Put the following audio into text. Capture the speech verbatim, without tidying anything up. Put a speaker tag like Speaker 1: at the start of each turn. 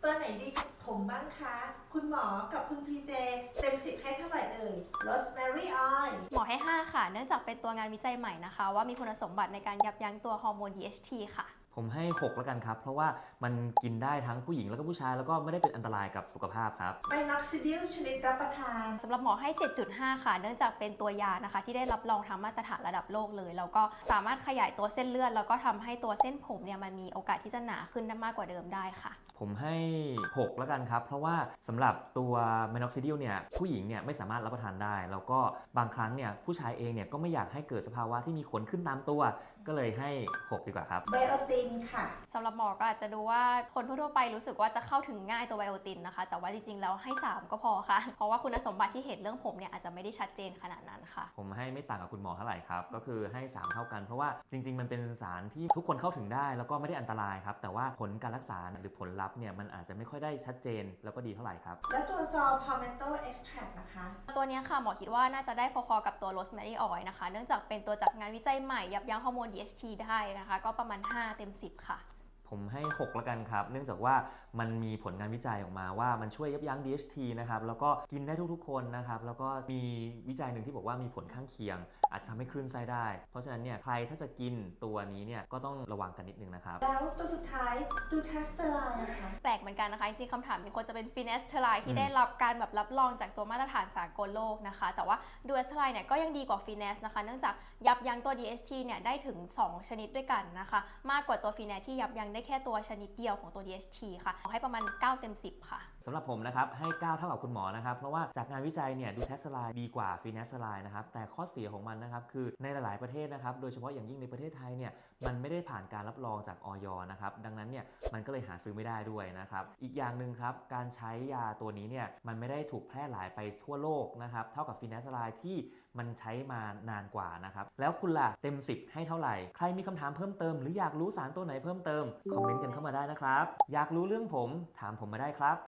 Speaker 1: ตัวไหนดีกับผมบ้างคะ คุณหมอกับคุณพีเจเต็มสิบให้เท่าไหร่เอ่ย Rosemary Oil
Speaker 2: หมอให้ห้าค่ะเนื่องจากเป็นตัวงานวิจัยใหม่นะคะว่ามีคุณสมบัติในการยับยั้งตัวฮอร์โมน ดี เอช ที ค่ะ
Speaker 3: ผมให้หกแล้วกันครับเพราะว่ามันกินได้ทั้งผู้หญิงแล้วก็ผู้ชายแล้วก็ไม่ได้เป็นอันตรายกับสุขภาพครับ
Speaker 1: ไ i นอกซิดิลชนิดรับประทาน
Speaker 2: สำหรับหมอให้ เจ็ดจุดห้า ค่ะเนื่องจากเป็นตัวยานะคะที่ได้รับรองทางมาตรฐานระดับโลกเลยแล้วก็สามารถขยายตัวเส้นเลือดแล้วก็ทำให้ตัวเส้นผมเนี่ยมันมีโอกาสที่จะหนาขึ้นได้มากกว่าเดิมได้ค่ะ
Speaker 3: ผมให้หกแล้วกันครับเพราะว่าสำหรับตัวเมนอกซิดิลเนี่ยผู้หญิงเนี่ยไม่สามารถรับประทานได้แล้วก็บางครั้งเนี่ยผู้ชายเองเนี่ยก็ไม่อยากให้เกิดสภาวะที่มีขนขึ้นตามตัวก็เลยให้หกดีกว่าครับ
Speaker 1: ไบโอตินค่ะ
Speaker 2: สำหรับหมอก็อาจจะดูว่าคนทั่วๆไปรู้สึกว่าจะเข้าถึงง่ายตัวไบโอตินนะคะแต่ว่าจริงๆแล้วให้สามก็พอค่ะเพราะว่าคุณสมบัติที่เห็นเรื่องผมเนี่ยอาจจะไม่ได้ชัดเจนขนาดนั้นค่ะ
Speaker 3: ผมให้ไม่ต่างกับคุณหมอเท่าไหร่ครับก็คือให้สามเท่ากันเพราะว่าจริงๆมันเป็นสารที่ทุกคนเข้าถึงได้แล้วก็ไม่ได้อันตรายครับแต่ว่าผลการรักษาหรือผลลัพธ์เนี่ยมันอาจจะไม่ค่อยได้ชัดเจนแล้วก็ดีเท่าไหร่ครับ
Speaker 1: แล้วตัวซอลพาเมนโตเอ็กซ์แทรนะคะ
Speaker 2: ตัวนี้ค่ะหมอคิดว่าน่าจะได้พอๆกับตัวโรสแมรี่ออยล์นะคะเนื่องจากเป็นตัวจากงานวิจัยใหม่ยับยั้งฮอร์โมน ดี เอช ที ได้นะคะก็ประมาณห้าเต็มสิบค่ะ
Speaker 3: ผมให้หกแล้วกันครับเนื่องจากว่ามันมีผลงานวิจัยออกมาว่ามันช่วยยับยั้ง ดี เอช ที นะครับแล้วก็กินได้ทุกๆคนนะครับแล้วก็มีวิจัยหนึ่งที่บอกว่ามีผลข้างเคียงอาจจะทำให้คลื่นไส้ได้เพราะฉะนั้นเนี่ยใครถ้าจะกินตัวนี้เนี่ยก็ต้องระวังกันนิดนึงนะครับ
Speaker 1: แล้วตัวสุดท้ายดูเทสเตอร์ไลน์นะคะ
Speaker 2: แปลกเหมือนกันนะคะจริงๆคำถามมีคนจะเป็นฟีเนสเทอร์ไลน์ที่ได้รับการแบบรับรองจากตัวมาตรฐานสากลโลกนะคะแต่ว่าดูเอสเทอร์ไลน์เนี่ยก็ยังดีกว่าฟีเนสนะคะเนื่องจากยับยั้งตัว ดี เอช ที เนี่ยได้ถึงสองชนิดด้วยกันนะคะมากกว่าตัวฟีเนสที่ยับยั้งได้แค่ตัวชนิดเดียวของตัว ดี เอช ที ค่ะให้ประมาณเก้าเต็มสิบค่ะ
Speaker 3: สำหรับผมนะครับให้เก้าเท่ากับคุณหมอนะครับเพราะว่าจากงานวิจัยเนี่ยดูเทสไลน์ดีกว่าฟีเนสไลน์นะครับแต่ข้อเสียของมันนะครับคือในหลายๆประเทศนะครับโดยเฉพาะอย่างยิ่งในประเทศไทยเนี่ยมันไม่ได้ผ่านการรับรองจากอย นะครับดังนั้นเนี่ยมันก็เลยหาซื้อไม่ได้ด้วยนะครับอีกอย่างหนึ่งครับการใช้ยาตัวนี้เนี่ยมันไม่ได้ถูกแพร่หลายไปทั่วโลกนะครับเท่ากับฟีเนสไลน์ที่มันใช้มานานกว่านะครับแล้วคุณล่ะเต็มสิบให้เท่าไหร่ใครมีคำถามเพิ่มเติมหรืออยากรู้สารตัวไหนเพิ่มเติมคอมเมนต์กันเข้ามาได้นะครับอยากรู้เรื่องผมถามผมมาได้ครับ